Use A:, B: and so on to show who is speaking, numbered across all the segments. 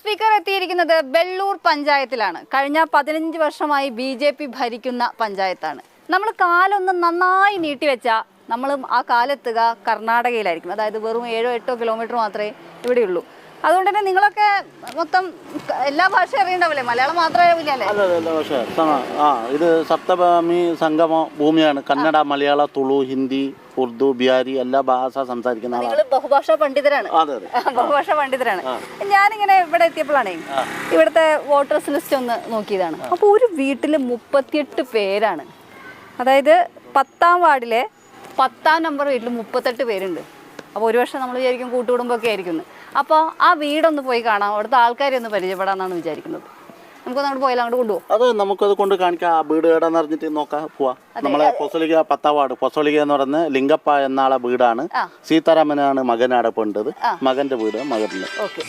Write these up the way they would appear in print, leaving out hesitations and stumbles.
A: Speaker എത്തിയിരിക്കുന്നത് വെള്ളൂർ പഞ്ചായത്തിലാണ്. കഴിഞ്ഞ 15 വർഷമായി BJP ഭരിക്കുന്ന പഞ്ചായത്താണ്. നമ്മൾ കാലൊന്ന് നന്നായി നീട്ടിവെച്ചാൽ നമ്മളും ആ കാലെത്തുക കർണാടകയിലായിരിക്കും. അതായത് വെറും 7-8 കിലോമീറ്റർ മാത്രമേ ഇവിടെയുള്ളൂ. അതുകൊണ്ട് തന്നെ നിങ്ങളൊക്കെ മൊത്തം എല്ലാ ഭാഷയും അറിയണ്ടാവില്ലേ? മലയാളം മാത്രമേ അറിയില്ലല്ലേ?
B: ഇത് സപ്തഭൂമി സംഗമ ഭൂമിയാണ്. കന്നഡ, മലയാള, തുളു, ഹിന്ദി, ഉറുദു, ബിഹാരി എല്ലാ ഭാഷ സംസാരിക്കുന്ന
A: നിങ്ങൾ ബഹുഭാഷാ പണ്ഡിതരാണ്. ബഹുഭാഷാ പണ്ഡിതരാണ്. ഞാനിങ്ങനെ ഇവിടെ എത്തിയപ്പോഴാണേ ഇവിടുത്തെ വോട്ടേഴ്സ് ലിസ്റ്റ് ഒന്ന് നോക്കിയതാണ്. അപ്പോൾ ഒരു വീട്ടിൽ 38 പേരാണ്. അതായത് 10ാം വാർഡിലെ 10ാം നമ്പർ വീട്ടിൽ 38 പേരുണ്ട്. അപ്പോൾ ഒരു വർഷം നമ്മൾ വിചാരിക്കും കൂട്ടുകുടുംബമൊക്കെ ആയിരിക്കും. അപ്പോൾ ആ വീടൊന്ന് പോയി കാണാം, അവിടുത്തെ ആൾക്കാരെ ഒന്ന് പരിചയപ്പെടാമെന്നാണ് വിചാരിക്കുന്നത്. നമുക്കൊന്ന് അങ്ങോട്ട് പോയാലും അങ്ങോട്ട് കൊണ്ടുപോകും.
B: അത് നമുക്കത് കൊണ്ട് കാണിക്കാം. ആ വീട് ഏടാന്ന് അറിഞ്ഞിട്ട് നോക്കാം, പോവാം. നമ്മളെ പൊസളിക 10ാം വാർഡ് പൊസളിക എന്ന് പറയുന്നത് ലിംഗപ്പ എന്നാളെ വീടാണ്. സീതാരാമനാണ് മകനാടെ പോണ്ടത്. മകന്റെ വീട് മകനില്.
A: ഓക്കെ.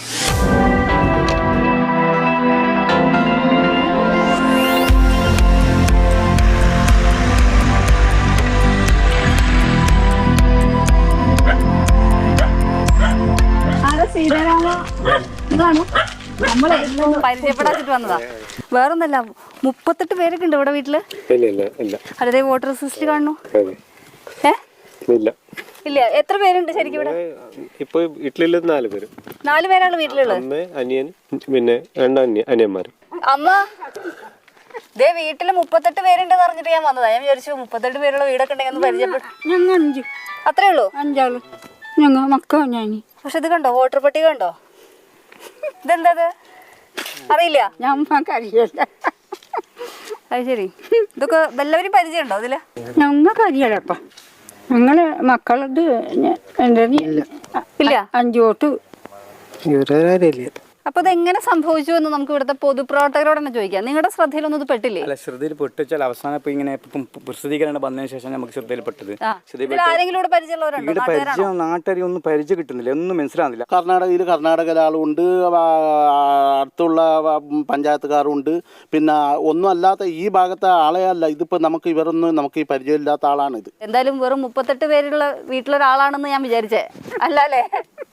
A: പരിചയപ്പെടാച്ചിട്ട് വന്നതാ, വേറൊന്നല്ല. 38 പേരൊക്കെ ഉണ്ട് ഇവിടെ വീട്ടില്. അതേ വോട്ടേഴ്സ് ലിസ്റ്റ് കാണുന്നു. ഇല്ല, എത്ര പേരുണ്ട് ശരിക്കും ഇവിടെ?
C: ഇപ്പൊ വീട്ടിലുള്ളത് 4 പേര്.
A: 4 പേരാണ് വീട്ടിലുള്ളത്.
C: അനിയൻ, പിന്നെ 2 അനിയന്മാരും.
A: അമ്മ ദേ വീട്ടില് 38 പേരുണ്ടെന്ന് പറഞ്ഞിട്ട് ഞാൻ വന്നതാ. ഞാൻ വിചാരിച്ചു 38 പേരുള്ള വീടൊക്കെ ഉണ്ടെങ്കിൽ ഒന്ന് പരിചയപ്പെട്ടു.
D: ഞങ്ങൾ 5.
A: അത്രേ ഉള്ളൂ?
D: 5 ആള് ഞങ്ങൾ മക്ക. ഞാൻ
A: പക്ഷെ ഇത് കണ്ടോ, വോട്ടർ പട്ടിക കണ്ടോ? ഇതെന്താ അറിയില്ല?
D: ഞമ്മക്കറിയില്ല.
A: അത് ശരി. ഇതൊക്കെ എല്ലാവരും പരിചയമുണ്ടോ ഇതില്?
D: ഞങ്ങൾക്ക് അറിയാലപ്പ. ഞങ്ങള് മക്കളത്
A: ഇല്ല.
D: 5 വോട്ട്.
A: അപ്പൊ ഇതെങ്ങനെ സംഭവിച്ചു എന്ന് നമുക്ക് ഇവിടുത്തെ പൊതുപ്രവർത്തകരോട് തന്നെ ചോദിക്കാം. നിങ്ങളുടെ ശ്രദ്ധയിലൊന്നും ഇത് പെട്ടില്ലേ?
E: അല്ല, ശ്രദ്ധയിൽ പെട്ടുവെച്ചാൽ അവസാനം ഇപ്പൊ ഇങ്ങനെ പ്രസിദ്ധീകരണം വന്നതിന് ശേഷം നമുക്ക് ശ്രദ്ധയിൽപ്പെട്ടത്.
A: ആരെങ്കിലും പരിചയമുള്ളവരുണ്ടോ?
E: പരിചയം നാട്ടുകാരി ഒന്നും പരിചയം കിട്ടുന്നില്ല, ഒന്നും മനസ്സിലാകുന്നില്ല.
B: കർണാടകയിലെ ആളുണ്ട്, അടുത്തുള്ള പഞ്ചായത്തുകാരുണ്ട്. പിന്നെ ഒന്നും അല്ലാത്ത ഈ ഭാഗത്തെ ആളെ അല്ല ഇതിപ്പോ. നമുക്ക് ഇവരൊന്നും നമുക്ക് ഈ പരിചയമില്ലാത്ത ആളാണ് ഇത്.
A: എന്തായാലും വെറും 38 പേരുള്ള വീട്ടിലൊരാളാണെന്ന് ഞാൻ വിചാരിച്ചേ. അല്ല അല്ലേ?